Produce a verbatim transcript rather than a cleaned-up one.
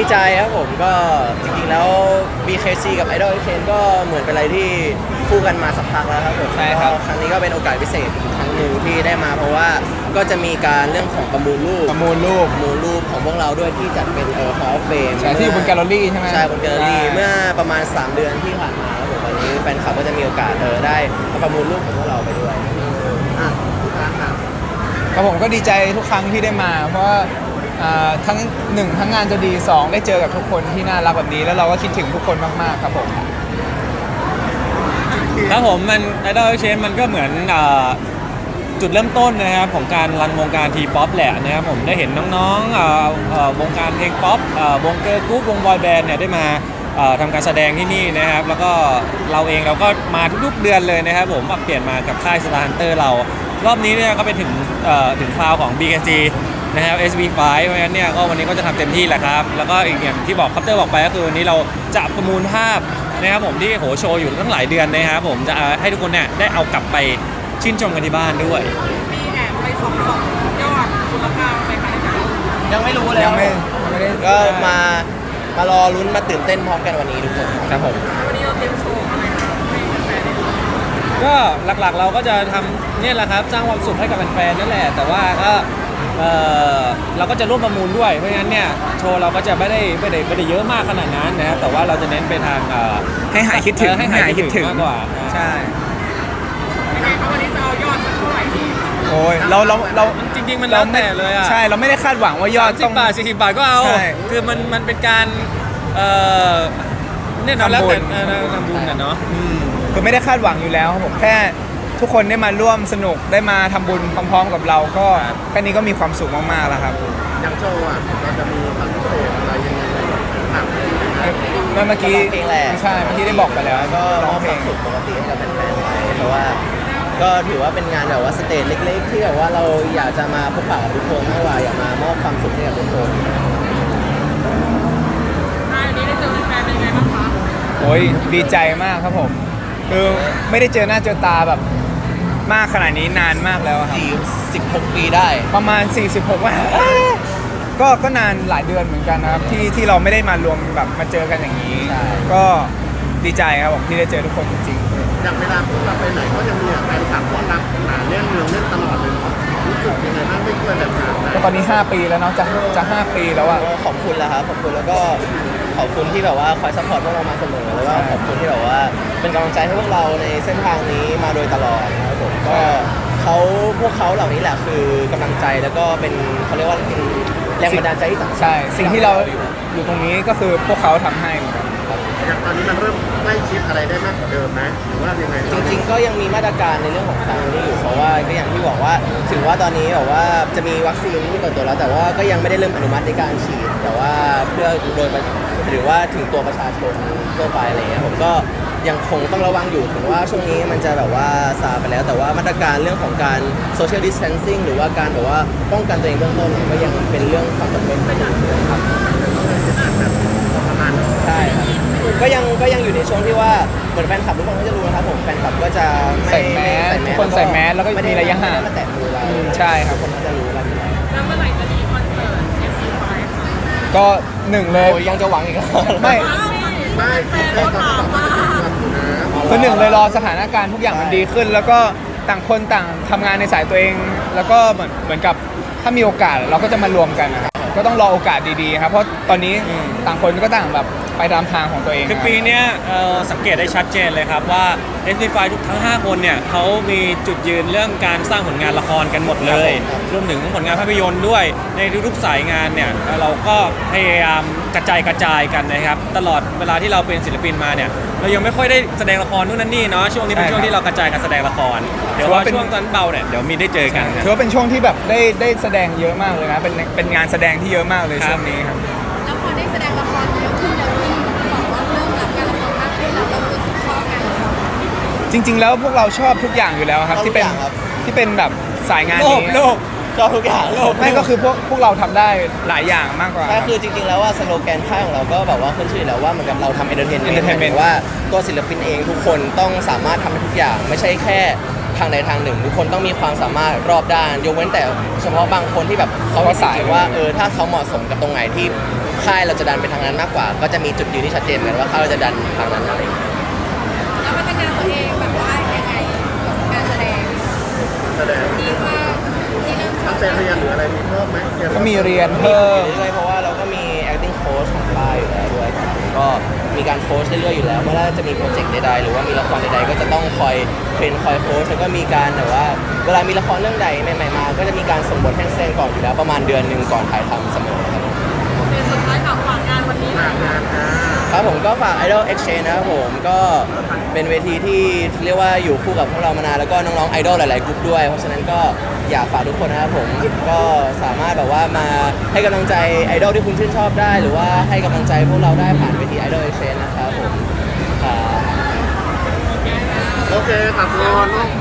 ดีใจครับผมก็จริงๆแล้ว บี เค ซี กับ Idol Exchange ก็เหมือนเป็นอะไรที่คู่กันมาสักพักแล้วครับผมใช่ครับครั้งนี้ก็เป็นโอกาสพิเศษอีกครั้งหนึ่งที่ได้มาเพราะว่าก็จะมีการเรื่องของประมูลรูปประมูลรูปประมูลรูปของพวกเราด้วยที่จัดเป็นเอ่อ Hall of Fame ใช่ที่อยู่บนแกลเลอรี่ใช่ไหมใช่บนแกลเลอรี่เมื่อประมาณสามเดือนที่ผ่านมาครับผมวันนี้แฟนคลับก็จะมีโอกาสเออได้ประมูลรูปของพวกเราไปด้วยอ่ะพี่การครับครับผมก็ดีใจทุกครั้งที่ได้มา เพราะว่าอ่าทั้งหนึ่งทั้งงานจะดีสองได้เจอกับทุกคนที่น่ารักแบบนี้แล้วเราก็คิดถึงทุกคนมากๆครับผมครับผมมัน Idol Exchange มันก็เหมือนอ่าจุดเริ่มต้นนะครับของการรันวงการทีป๊อปแหละนะครับผมได้เห็นน้องๆอ่าอ่าวงการเพลงป๊อปอ่าวงเกิร์ลกรุ๊ปวงบอยแบนด์เนี่ยได้มาอ่าทำการแสดงที่นี่นะครับแล้วก็เราเองเราก็มาทุกๆเดือนเลยนะครับผมมาเปลี่ยนมากับค่าย Star Hunter เรารอบนี้เนี่ยก็เป็นถึงเอ่อถึงคราวของ บี เค ซี นะครับ เอส บี ไฟว์ เพราะฉะนั้นเนี่ยก็วันนี้ก็จะทำเต็มที่แหละครับแล้วก็อีกอย่างที่บอกคัพเตอร์บอกไปก็คือวันนี้เราจะประมูลภาพนะครับผมที่โหโชว์อยู่ตั้งหลายเดือนนะครับผมจะให้ทุกคนเนี่ยได้เอากลับไปชื่นชมกันที่บ้านด้วยมีแอบไปส่องส่องยอดมูลค่าไปขายกันยังไม่รู้เลยยังไม่ยังไม่ได้ก็มามารอลุ้นมาตื่นเต้นพร้อมกันวันนี้ทุกคนครับผมวันนี้เราเตรียมโชว์อะไรมาให้แฟนๆได้ดูก็หลักๆเราก็จะทำเนี่ยแหละครับสร้างความสุขให้กับแฟนๆนั่นแหละแต่ว่าก็เออเราก็จะร่วมประมูลด้วยเพราะฉะนั้นเนี่ยโชว์เราก็จะไม่ได้ไม่ได้ไม่ได้เยอะมากขนาดนั้นนะครับแต่ว่าเราจะเน้นไปทางเอ่อให้หายคิดถึงเออให้หายคิดถึงมากกว่าใช่ยังไงคะวันนี้จะเอายอดสักเท่าไหร่ดีโอ้ยเราเราเราจริงๆมันแล้วแต่เลยอ่ะใช่เราไม่ได้คาดหวังว่ายอดสิต้บองบาทสี่สิบบาทก็เอาใช่คือมันมันเป็นการเอ่อเนี่ยเนาะทำบุญแล้วแต่เออทำบุญน่ะเนาะอืมคือไม่ได้คาดหวังอยู่แล้วครับผมแค่ทุกคนได้มาร่วมสนุกได้มาทำบุญพร้อมๆกับเราก็แค่นี้ก็มีความสุขมากๆแล้วครับอย่างโชว์อ่ะเราจะมีความพิเศษอะไรยังไงบ้างเมื่อกี้เพลงแรกใช่เมื่อกี้ได้บอกไปแล้วแล้วก็มร้ออง บเพคลวาง มสุขปกติให้กับแฟนๆไปเพราะว่าก็ถือว่าเป็นงานแบบว่าสเตจเล็กๆ ที่แบบว่าเราอยากจะมาพบปะกับทุกคนมากกว่าอยากมามอบความสุขให้กับทุกคนอ่าวันนี้ได้เจอแฟนๆเป็นยังไงบ้างคะโอ้ยดีใจมากครับผมคือไม่ได้เจอหน้าเจอตาแบบมากขนาดนี้นานมากแล้วครับสี่สิบหกปีได้ประมาณ สี่สิบหกว่าก็ก็นานหลายเดือนเหมือนกันนะครับที่ที่เราไม่ได้มารวมแบบมาเจอกันอย่างนี้ใช่ก็ดีใจครับผมที่ได้เจอทุกคนจริงอย่างเวลาพวกเราไปไหนก็จะมีแฟนคลับว่ารับหาเรื่องเรื่องเล่นตลอดเลยเนาะรู้สึกยังไงบ้างไม่เคยแบบนั้นๆก็ตอนนี้ ห้า ปีแล้วเนาะจะจะห้าปีแล้วอะก็ขอบคุณแล้วครับขอบคุณแล้วก็ขอบคุณที่แบบว่าคอยซัพพอร์ตพวกเรามาเสมอแล้วก็ใช่ขอบคุณที่แบบว่าเป็นกำลังใจให้พวกเราในเส้นทางนี้มาโดยตลอดนะครับผมก็เขาพวกเขาเหล่านี้แหละคือกำลังใจแล้วก็เป็นเขาเรียกว่าเป็นแรงบันดาลใจที่สำคัญใช่สิ่งที่เราอยู่ตรงนี้ก็คือพวกเขาทำให้เหมือนกันอย่างตอนนี้มันเริ่มใกล้ชิดอะไรได้มากกว่าเดิมไหมหรือว่ายังไงจริงๆก็ยังมีมาตรการในเรื่องของทางนี้อยู่เพราะว่าก็อย่างที่บอกว่าถึงว่าตอนนี้แบบว่าจะมีวัคซีนที่เปิดตัวแล้วแต่ว่าก็ยังไม่ได้เริ่มอนุมัติในการฉีด แต่ว่าเพื่อโดยประหรือว่าถึงตัวประชาชนทั่วไปอะไรเงี้ยผมก็ยังคงต้องระวังอยู่ถึงว่าช่วงนี้มันจะแบบว่าซาไปแล้ว แต่ว่ามาตรการเรื่องของการ social distancing หรือว่าการแบบว่าป้องกันตัวเองเบื้องต้นเนี่ยก็ยังเป็นเรื่องความจำเป็นไปอยู่ครับประมาณนั้นใช่ครับก็ยังก็ยังอยู่ในช่วงที่ว่าเหมือนแฟนคลับทุกคนก็จะรู้นะครับผมแฟนคลับก็จะไม่ใส่แมสไทุกคนใส่แมสแล้วก็ไได้มีระยะห่างไม่ได้มาแตะมือเราอืมใช่ครับคนก็จะรู้กันอยู่แล้วแล้วเมื่อไหร่จะมีคอนเสิร์ต เอฟ ซี ไฟว์ ค่ะก็หนึ่งเลยโอ้ยยังจะหวังอีกเหรอไม่ไม่แฟนเขาถามว่านะคือหนึ่งเลยรอสถานการณ์ทุกอย่างมันดีขึ้น แล้วก็ต่างคนต่างทำงานในสายตัวเอง แล้วก็เหมือนเหมือนกับถ้ามีโอกาสเราก็จะมารวมกันนะครับก็ต้องรอโอกาสดีๆครับเพราะตอนนี้ต่างคนก็ต่างแบบไปตามทางของตัวเองคือปีเนี้ยเอ่อสังเกตได้ชัดเจนเลยครับว่า เอส บี ไฟว์ ทุกทั้ง ห้า คนเนี่ยเขามีจุดยืนเรื่องการสร้างผลงานละครกันหมดเลย รวมถึงผลงานภาพยนตร์ด้วยในทุกๆสายงานเนี่ยเราก็พยายามกระจายกระจายกันนะครับตลอดเวลาที่เราเป็นศิลปินมาเนี่ยเรายังไม่ค่อยได้แสดงละครนู่นนั่นนี่เนาะช่วงนี้เป็นช่วงที่เรากระจายการแสดงละครเดี๋ยวว่าช่วงตอนเบาเนี่ยเดี๋ยวมีได้เจอกันครับถือว่าเป็นช่วงที่แบบได้ได้แสดงเยอะมากเลยนะเป็นเป็นงานแสดงที่เยอะมากเลยครับช่วงนี้ครับแล้วพอได้แสดงละครเยอะขึ้นเยอะขึ้นบอกว่าเริ่มรับงานละครมากขึ้นแล้วเรารู้สึกชอบงานละครจริง ๆ แล้วพวกเราชอบทุกอย่างอยู่แล้วครับชอบทุที่กเป็นอย่างครับที่เป็นแบบสายงานโลนี้ภโลภชอบทุกอย่างไม่ก็คือพวกพวกเราทำได้หลายอย่างมากกว่าใช่คือจริงๆแล้วว่าสโลแกนค่ายของเราก็แบบว่าขึ้นชื่ออยู่แล้วว่าเหมือนกับเราทำเอนเตอร์เทนเมนต์ Entertainment ว่าตัวศิลปินเองทุกคนต้องสามารถทำได้ทุกอย่าง ไม่ใช่แค่ททางใดทางหนึ่งทุกคนต้องมีความสามารถรอบด้านยกเว้นแต่เฉพาะบางคนที่แบบเขามีสายว่าเออถ้าเขาเหมาะสมกับตรงไหนที่ค่ายเราจะดันไปทางนั้นมากกว่า ก็จะมีจุดยืนที่ชัดเจนเหมือนว่าค่ายเราจะดันทางนั้นอะไรอย่างเงี้ยแล้วพัฒนาตัวเองแบบว่ายังไงกับการแสดงแสดงที่ว่าที่เริ่มชอตั้บงใจเรียนหรืออะไรมีเพิ่มไหมเรียนก็มีเรียนเพิ่มเรื่อยๆเพราะว่าเราก็มี acting coach ของค่ายอยู่แล้วด้วยครับก็มีการโค้ชเรื่อยๆอยู่แล้วเมื่อจะมีโปรเจกต์ใดๆหรือว่ามีละครใดๆก็จะต้องคอยเทรนคอยโค้ชแล้วก็มีการแบบว่าเวลามีละครเรื่องใดใหม่ๆมา ก็จะมีการส่งบทแห้งเส้นก่อนอยู่แล้วประมาณเดือนหนึ่งก่อนถ่ายทำเสมอครับเป็นสุดท้ายกับฝากงานวันนี้หน่งาอยนงานอ่าครับผมก็ฝาก Idol Exchange นะครับผมก็เป็นเวทีที่เรียกว่าอยู่คู่กับพวกเรามานานแล้วก็น้องๆไอดอลหลายๆกลุ่มด้วย เพราะฉะนั้นก็อยากฝากทุกคนนะครับผมก็สามารถแบบว่ามาให้กำลังใจไอดอลที่คุณชื่นชอบได้ หรือว่าให้กำลังใจพวกเราได้ผ่านเวที Idol Exchange นะครับผมครับโอเคขอบคุณ